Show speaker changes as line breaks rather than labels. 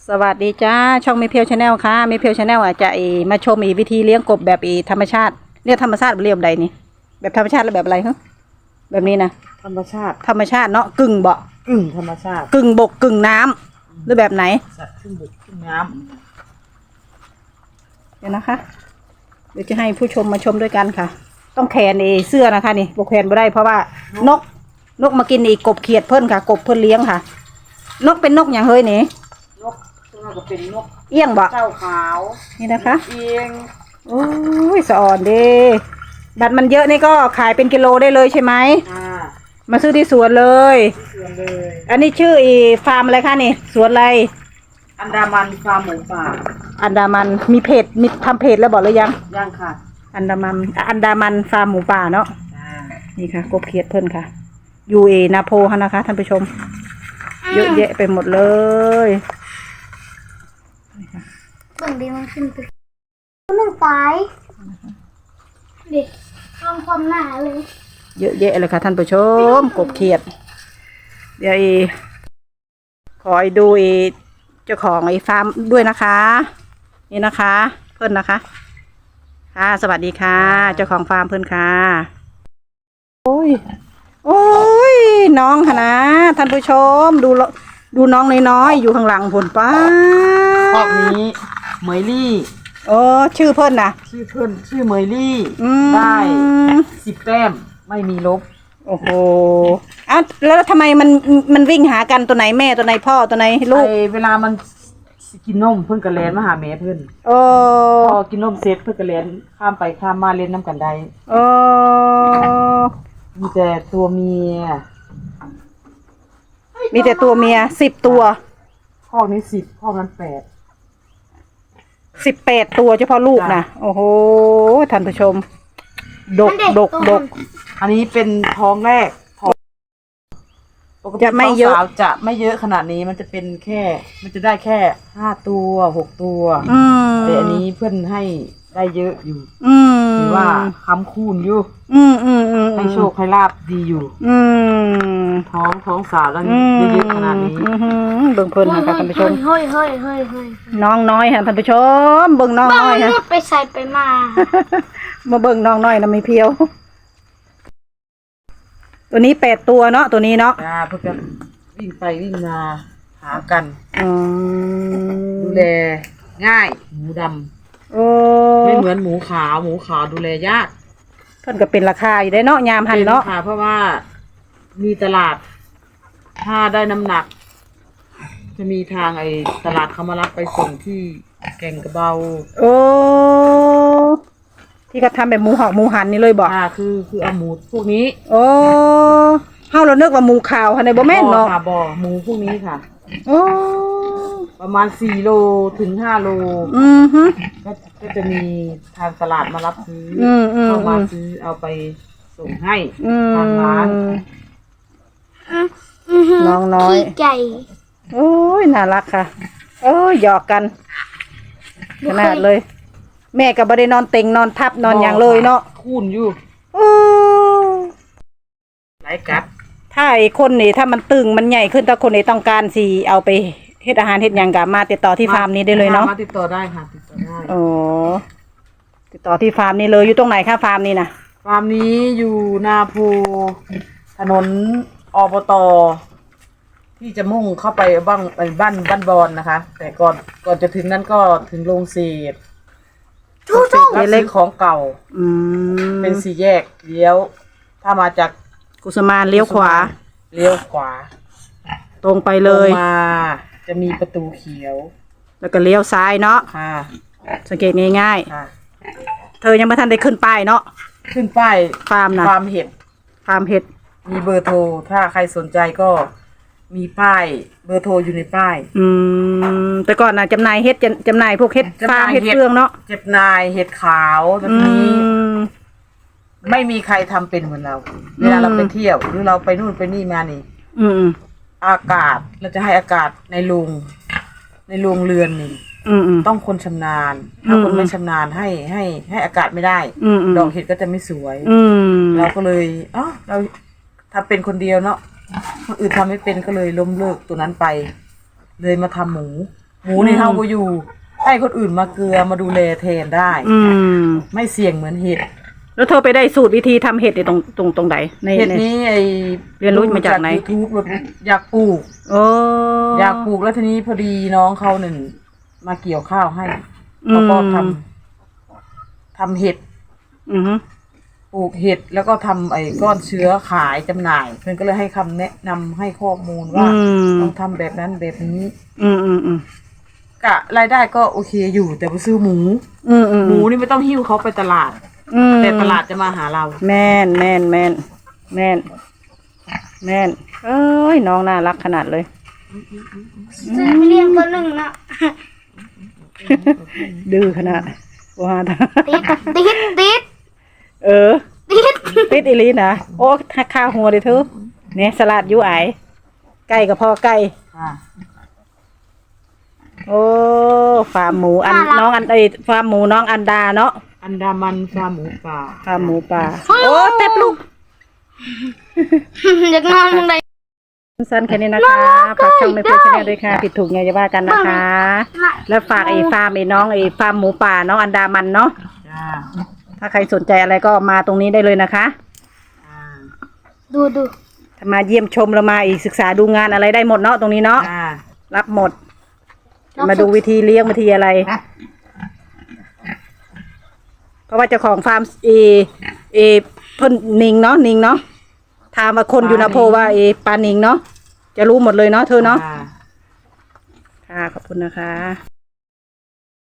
สวัสดีจ้าช่องเมเพียวชาแนลค่ะเมเพียวชาแนลอาจจะมาชมวิธีเลี้ยงกบแบบธรรมชาติเรียกธรรมชาติเรียกแบบใดนี่แบบธรรมชาติหรือแบบอะไรฮะแบบนี้นะ
ธรรมชาติ
เนาะกึ่งเบาะ
กึ่งธรรมชาติ
กึ่งบกกึ่งน้ำหรือแบบไหน
สัตว์ครึ่งบกครึ่งน้
เดี๋ยวนะคะเดี๋ยวจะให้ผู้ชมมาชมด้วยกันค่ะต้องแขวนเสื้อนะคะนี่บกแขวนไม่ได้เพราะว่านกมากินกบเขียดเพิ่นค่ะกบเพิ่นเลี้ยงค่ะนกเป็นนกอย่างเฮ้ยนี่
นกตัวก็เป็นนก
เอี้ยงบ่
เจ้าขาว
นี่นะคะ
เอียง
โอ้ยสะอ่อนเด้บัตรมันเยอะนี่ก็ขายเป็นกิโลได้เลยใช่ไหมมาซื้อที่สวนเลย
สวนเลย
อันนี้ชื่อฟาร์มอะไรคะนี่สวนอะไร
อันดามันฟาร์มหมูป่า
อันดามันมีเพจมีทำเพจแล้วบอกหรือยัง
ยังค่ะ
อันดามันฟาร์มหมูป่าเนาะนี่ค่ะกบเขียดเพิ่นค่ะยูนาโพฮะนะคะท่านผู้ชมเยอะแยะไปหมดเลย
เบิ่งดีมันขึ้นไปมันตายเด็กลองความหนาเลย
เยอะแยะเลยค่ะท่านผู้ชมกบเขียดเดี๋ยวขอดูเจ้าของฟาร์มด้วยนะคะนี่นะคะเพื่อนนะคะค่ะสวัสดีค่ะเจ้าของฟาร์มเพื่อนค่ะโอ้ยน้องค่ะนะท่านผู้ชมดูน้องน้อยๆอยู่ข้างหลังผลป้า
คอกนี้เหมยลี่
โอ้ชื่อเพื่อนนะ
ชื่อเหมยลี่ได้10 แต้มไม่มีลบ
โอ้โหอ้าวแล้วทำไมมันวิ่งหากันตัวไหนแม่ตัวไหนพ่อตัวไหนลูก
เวลามันกินนมเพิ่นกระเลนมาหาแม่เพิ่น
โอ้
พอกินนมเสร็จเพิ่นกระเลนข้ามไปข้ามมาเล่นน้ำกันได้
โอ้
มีแต่ตัวเมีย
10 ตัว
ข้อนี้10ข้อนั้น
18 ตัวเฉพาะลูกนะโอ้โหท่านผู้ชมดก
อันนี้เป็นท้องแรกปกติ
จะไม่เยอะ
จะไม่เยอะขนาดนี้มันจะเป็นมันจะได้แค่5 ตัว6 ตัวแต่อันนี้เพื่อนให้ได้เยอะอยู่ถือว่าค้ำคูณอยู่ให้โชคให้ลาบดีอยู่ท้องสาวแล้วเยอะขนาดนี้
เบิ่งเพิ่นค่ะท่านผู้ชม
เฮ้ย
น้องน้อยค่ะท่านผู้ชมเบิ่งน้องน้อยค่ะ
ไปใส่ไปมา
เบิ่งน้องน้อยนะไม่เพียวตัวนี้8 ตัวเนาะตัวนี้เนาะ
เพื่อนวิ่งไปวิ่งมาหากันดูแลง่ายหมูดำไม่เหมือนหมูขาวดูแลยาก
เพิ่นก็เป็นราคาอยู่ได้เนาะยามหันเนาะ
เพราะว่ามีตลาดถ้าได้น้ำหนักจะมีทางตลาดเขามารับไปส่งที่แก่งกระเบา
โอ้ที่เขาทำแบบหมูหอกหมูหันนี่เลยบอก
คือเอาหมูพวกนี้
โอ้เฮาเราเนึกว่าหมูขาวค่ะในบ่แม่นเนาะ
บ่หมูพวกนี้ค่ะโอ้ประมาณ4 โลถึง5 โลก็จะมีทางตลาดมารับซื้อเข้ามาซื้อเอาไปส่งให้ทางร้าน
น้องน้อย
ใจ
โอ้ยน่ารักค่ะโอ้ยหยอกกันขนาดเลยแม่ก็บ่ได้นอนเต็งนอนทับนอนอย่างเลยเนาะ
คูนอยู่ไหลกัด
ถ้าคนนี่ถ้ามันตึงมันใหญ่ขึ้นถ้าคนนี่ต้องการสิเอาไปเฮ็ดอาหารเฮ็ดหยังก็มาติดต่อที่ฟาร์มนี้ได้เลยเนาะ
มาติดต่อได้ค่ะติดต่อได้
โอ้ติดต่อที่ฟาร์มนี้เลยอยู่ตรงไหนคะฟาร์มนี้นะ
ฟาร์มนี้อยู่นาโพถนนอบต.ที่จะมุ่งเข้าไปบ้านบอนนะคะแต่ก่อนจะถึงนั้นก็ถึงโรงเศษรับซื้อของเก่าเป็น4 แยกเลี้ยวถ้ามาจาก
กุสมานเลี้ยวขวาตรงไปเลย
มาจะมีประตูเขียว
แล้วก็เลี้ยวซ้ายเนาะสังเกตง่ายๆเธอยังไม่ทันได้ขึ้นป้ายเนาะ
ขึ้นป้าย
ฟาร์มนะ
ฟาร์มเห็ดมีเบอร์โทรถ้าใครสนใจก็มีป้ายเบอร์โทรอยู่ในป้าย
แต่ก่อนนะจำหน่ายเห็ดจำหน่ายพวกเห็ดฟางเห็ดเครื่องเนาะ
จำหน่ายเห็ดขาวแบบนี้ไม่มีใครทำเป็นเหมือนเราเวลาเราไปเที่ยวหรือเราไปนู่นไปนี่มานี่อากาศเราจะให้อากาศในโรงเรือนนี่ต้องคนชำนาญถ้าคนไม่ชำนาญให้อากาศไม่ได้ดอกเห็ดก็จะไม่สวยเราก็เลยเราทำเป็นคนเดียวเนาะคนอื่นทำไม่เป็นก็เลยล้มเลิกตัวนั้นไปเลยมาทำหมูหมูนี่เฮาบ่อยู่ ให้คนอื่นมาเกลือมาดูแลแทนได้
อืม
ไม่เสี่ยงเหมือนเห็ด
แล้วเธอไปได้สูตรวิธีทำเห็ดในตรงไหนใน
เห็ดนี้ไอ
เรียนรู้มาจากไหน
YouTube แบบอยากปลูก
โอ้
อยากปลูกแล้วทีนี้พอดีน้องเขาหนึ่งมาเกี่ยวข้าวให้เขาก็ทำเห็ด
อือฮึ
ปลูกเห็ดแล้วก็ทำไอ้ก้อนเชื้อขายจำหน่ายเพื่อนก็เลยให้คำแนะนำให้ข้อมูลว่าต้องทำแบบนั้นแบบนี้
อืม
กะรายได้ก็โอเคอยู่แต่ไปซื้อหมู หมูนี่ไม่ต้องหิ้วเขาไปตลาด แต่ตลาดจะมาหาเรา
แม่นเอ้ยน้องน่ารักขนาดเลย
ซื้อไปเลี้ยงตัวหนึ่งนะ
ดื้อขนาดว่า
ติด
เออติดอีหลีนะโอ้ข้าวหัวเด้อเธอเนี่ยสลัดยูไอไก่กับพ่อไก่
อ่า
โอ้ฟาร์มหมูน้องฟาร์มหมูน้องอันดาเนาะ
อันดามันฟาร์มหมูป่า
ฟาร์มหมูป่าโอ้เต็บลูก
อยากนอนตรงไหน
สั้นแค่นี้นะคะฝากช่องไม่เพื่อนชาแนลด้วยค่ะผิดถูกไงจะว่ากันนะคะ แล้วฝากฟาร์มน้องฟาร์มหมูป่าน้องอันดามันเนาะ
จ้า
ถ้าใครสนใจอะไรก็มาตรงนี้ได้เลยนะคะ
อ่า
ดู
ถ้ามาเยี่ยมชมเรามาศึกษาดูงานอะไรได้หมดเนาะตรงนี้เนาะ
อ่า
รับหมด มาดูวิธีเลี้ยงวิธีอะไร เพราะว่าเจ้าของฟาร์มเพิ่นนิงเนาะถามว่าคนอยู่นาโพว่าปลานิงเนาะจะรู้หมดเลยเนาะเธอเนาะ
อ่า
ค่ะขอบคุณนะคะ